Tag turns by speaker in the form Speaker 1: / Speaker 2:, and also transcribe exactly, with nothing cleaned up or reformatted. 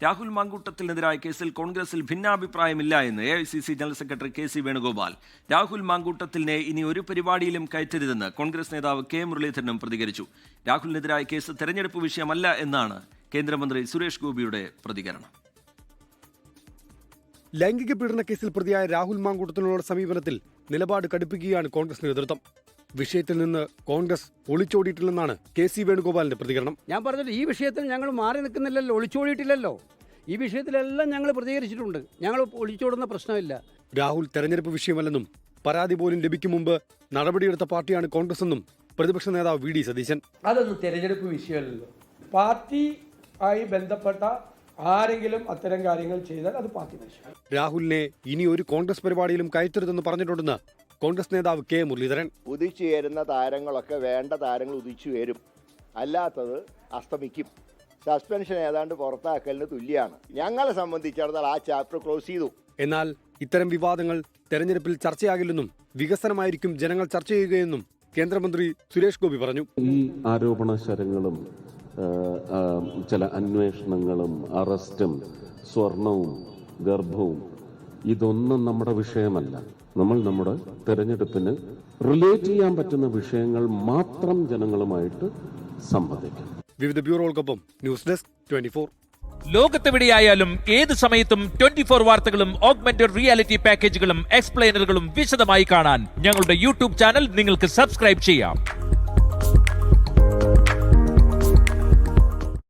Speaker 1: രാഹുൽ മാങ്കൂട്ടത്തിനെതിരായ കേസിൽ കോൺഗ്രസിൽ ഭിന്നാഭിപ്രായമില്ല എന്ന് A I C C general secretary K C Venugopal. Rahul മാങ്കൂട്ടത്തിനെ ഇനി ഒരു പരിപാടിയിലും കയറ്റരുതെന്ന് കോൺഗ്രസ് നേതാവ് കെ മുരളീധരനും പ്രതികരിച്ചു. രാഹുലിനെതിരായ കേസ് തെരഞ്ഞെടുപ്പ് വിഷയമല്ല എന്നാണ് കേന്ദ്രമന്ത്രി സുരേഷ് ഗോപിയുടെ പ്രതികരണം.
Speaker 2: ലൈംഗിക പീഡന കേസിൽ പ്രതിയായ രാഹുൽ മാങ്കൂട്ടത്തിനുള്ള സമീപനത്തിൽ നിലപാട് കടുപ്പിക്കുകയാണ് കോൺഗ്രസ് നേതൃത്വം. വിഷയത്തിൽ നിന്ന് കോൺഗ്രസ് ഒളിച്ചോടിയിട്ടില്ലെന്നാണ് കെ സി വേണുഗോപാലിന്റെ പ്രതികരണം.
Speaker 3: ഞാൻ പറഞ്ഞത് ഈ വിഷയത്തിൽ ഞങ്ങൾ മാറി നിൽക്കുന്നില്ലല്ലോ, ഒളിച്ചോടിയിട്ടില്ലല്ലോ. ഈ വിഷയത്തിലെല്ലാം ഞങ്ങൾ പ്രതികരിച്ചിട്ടുണ്ട്. ഞങ്ങൾ ഒളിച്ചോടുന്ന പ്രശ്നമില്ല.
Speaker 2: രാഹുൽ തെരഞ്ഞെടുപ്പ് വിഷയമല്ലെന്നും പരാതി പോലും ലഭിക്കും മുമ്പ് നടപടിയെടുത്ത പാർട്ടിയാണ് കോൺഗ്രസ് എന്നും പ്രതിപക്ഷ നേതാവ് വി ഡി സതീശൻ.
Speaker 4: അതൊന്നും തെരഞ്ഞെടുപ്പ് വിഷയമല്ലല്ലോ. പാർട്ടി ആയി ബന്ധപ്പെട്ട ആരെങ്കിലും അത്തരം കാര്യങ്ങൾ ചെയ്താൽ അത് പാർട്ടി വിഷയം.
Speaker 2: രാഹുലിനെ ഇനി ഒരു കോൺഗ്രസ് പരിപാടിയിലും കയറ്റരുതെന്ന് പറഞ്ഞിട്ടുണ്ടെന്ന് കോൺഗ്രസ് നേതാവ് കെ മുരളീധരൻ.
Speaker 5: ഉദിച്ചുയരുന്ന താരങ്ങളൊക്കെ വേണ്ട താരങ്ങൾ ഉദിച്ചു വരും, അല്ലാത്തത് അസ്തമിക്കും. സസ്പെൻഷൻ ഏതാണ്ട് പുറത്താക്കലിന് തുല്യമാണ്. ഞങ്ങളെ സംബന്ധിച്ചിടത്തോളം ആ ചാപ്റ്റർ ക്ലോസ് ചെയ്തു.
Speaker 2: എന്നാൽ ഇത്തരം വിവാദങ്ങൾ തെരഞ്ഞെടുപ്പിൽ ചർച്ചയാകില്ലെന്നും വികസനമായിരിക്കും ജനങ്ങൾ ചർച്ച ചെയ്യുകയെന്നും കേന്ദ്രമന്ത്രി സുരേഷ് ഗോപി പറഞ്ഞു.
Speaker 6: ഈ ആരോപണ ശരങ്ങളും ചില അന്വേഷണങ്ങളും അറസ്റ്റും സ്വർണവും ഗർഭവും ഇതൊന്നും നമ്മുടെ വിഷയമല്ല. നമ്മൾ നമ്മുടെ തെരഞ്ഞെടുപ്പിന് റിലേറ്റ് ചെയ്യാൻ പറ്റുന്ന വിഷയങ്ങൾ മാത്രം ജനങ്ങളുമായിട്ട് സംവദിക്കും.
Speaker 2: വിവിധ ബ്യൂറോകൾക്കൊപ്പം ന്യൂസ് ഡെസ്ക് ട്വന്റി ഫോർ.
Speaker 7: ലോകത്തെവിടെയായാലും ഏത് സമയത്തും ട്വന്റി ഫോർ വാർത്തകളും ഓഗ്മെന്റഡ് റിയാലിറ്റി പാക്കേജുകളും എക്സ്പ്ലെയിനറുകളും വിശദമായി കാണാൻ ഞങ്ങളുടെ യൂട്യൂബ് ചാനൽ നിങ്ങൾക്ക് സബ്സ്ക്രൈബ് ചെയ്യാം.